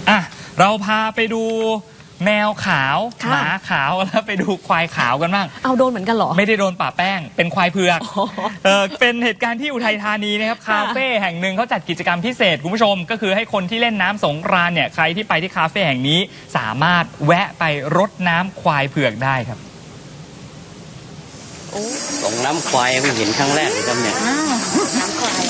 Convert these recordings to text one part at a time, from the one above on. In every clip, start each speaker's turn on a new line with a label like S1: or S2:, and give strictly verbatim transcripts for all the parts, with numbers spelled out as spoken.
S1: อ่ะเราพาไปดูแมวขาวห
S2: ค่ะ
S1: มาขาวแล้วไปดูควายขาวกันบ้าง
S2: เอาโดนเหมือนกันเหรอ
S1: ไม่ได้โดนป่าแป้งเป็นควายเผือก
S2: อ๋อ
S1: เออเป็นเหตุการณ์ที่อุทัยธานีนะครับ
S2: ค่ะ
S1: คาเฟ่แห่งหนึ่งเขาจัดกิจกรรมพิเศษคุณผู้ชมก็คือให้คนที่เล่นน้ำสงกรานต์เนี่ยใครที่ไปที่คาเฟ่แห่งนี้สามารถแวะไปรดน้ำควายเผือกได้ครับ
S3: ส่งน้ำควายเพิ่งเห็นครั้งแรกเลยครับเนี่ย
S4: น้ำควาย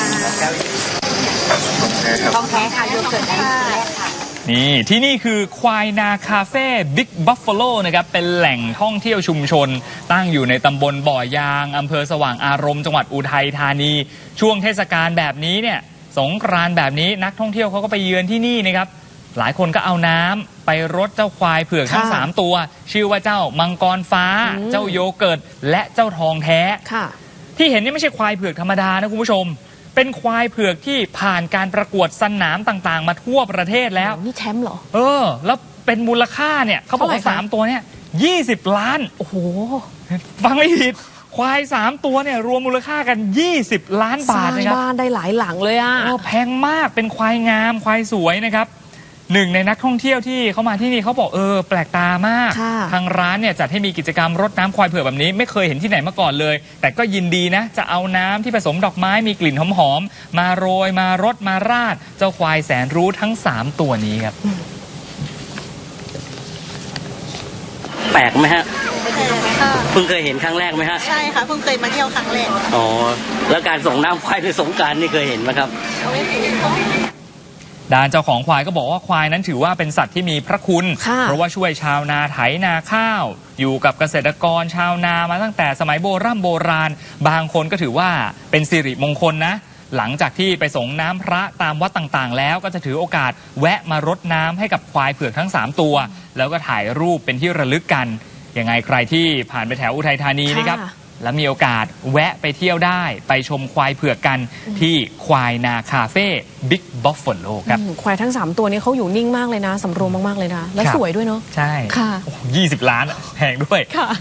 S4: ค่ะทองแท้ค่ะโยเกิร์ตได้แรกค่ะ
S1: นี่ที่นี่คือควายนาคาเฟ่บิ๊กบัฟฟาโลนะครับเป็นแหล่งท่องเที่ยวชุมชน ตั้งอยู่ในตำบลบ่อยางอำเภอสว่างอารมณ์จังหวัดอุทัยธานี ช่วงเทศกาลแบบนี้เนี่ยสงกรานต์แบบนี้นักท่องเที่ยวเขาก็ไปเยือนที่นี่นะครับหลายคนก็เอาน้ำไปรดเจ้าควายเผือกทั้ง
S2: ค่ะ
S1: สามตัว ชื่อว่าเจ้ามังกรฟ้า
S2: อืม
S1: เจ้าโยเกิร์ตและเจ้าทองแท้
S2: ค่ะ
S1: ที่เห็นนี่ไม่ใช่ควายเผือกธรรมดานะคุณผู้ชม เป็นควายเผือกที่ผ่านการประกวดสนามต่างๆ มาทั่วประเทศแล้ว
S2: นี่แชมป์เหรอ
S1: เออ แล้วเป็นมูลค่าเนี่ยเขาบอกว่า
S2: เท่าไหร่คะ
S1: สามตัวเนี่ยยี่สิบล้าน
S2: โอ้โห
S1: ฟังไม่ผิด ควายสามตัวเนี่ยรวมมูลค่ากันยี่สิบล้าน
S2: ส
S1: บา
S2: ร้า
S1: ท
S2: ง
S1: นะครับ
S2: บ้านได้หลายหลังเลยอ่ะ
S1: โอ้แพงมากเป็นควายงามควายสวยนะครับหนึ่งในนักท่องเที่ยวที่เขามาที่นี่เขาบอกเออแปลกตามาก
S2: ค่ะ
S1: ทางร้านเนี่ยจัดให้มีกิจกรรมรดน้ำควายเผือกแบบนี้ไม่เคยเห็นที่ไหนมาก่อนเลย แต่ก็ยินดีนะ จะเอาน้ำที่ผสมดอกไม้มีกลิ่นหอมๆมาโรยมารดมาราด เจ้าควายแสนรู้ทั้งสามตัวนี้ครับ
S3: แปลกไหมฮะ
S4: ค่ะ
S3: เพิ่งเคยเห็นครั้งแรกไหมฮะ
S4: ใช่ค่ะเพิ่งเคยมาเที่ยวครั้งแรก
S3: อ๋อแล้วการส่งน้ำควายในสงกรานต์นี่เคยเห็นไหมครับ
S1: ด้านเจ้าของควายก็บอกว่าควายนั้นถือว่าเป็นสัตว์ที่มีพระคุณ
S2: ค่ะ
S1: เพราะว่าช่วยชาวนาไถนาข้าว อยู่กับเกษตรกรชาวนามาตั้งแต่สมัยโบราณโบราณ บางคนก็ถือว่าเป็นสิริมงคลนะ หลังจากที่ไปส่งน้ำพระตามวัดต่างๆ แล้วก็จะถือโอกาสแวะมารดน้ำให้กับควายเผือกทั้งสามตัว แล้วก็ถ่ายรูปเป็นที่ระลึกกันยังไงใครที่ผ่านไปแถวอุทัยธานีนะครับ
S2: ค่ะ
S1: และมีโอกาสแวะไปเที่ยวได้ไปชมควายเผือกกันที่ควายนาคาเฟ่บิ๊กบัฟฟาโลครับ
S2: อืมควายทั้งสามตัวนี้เขาอยู่นิ่งมากเลยนะ สำรวมมากๆเลยนะ และ
S1: ครับ
S2: สวยด้วยเนาะ
S1: ใช่
S2: ค่ะ
S1: ยี่สิบล้านแพงด้วย
S2: ค่ะ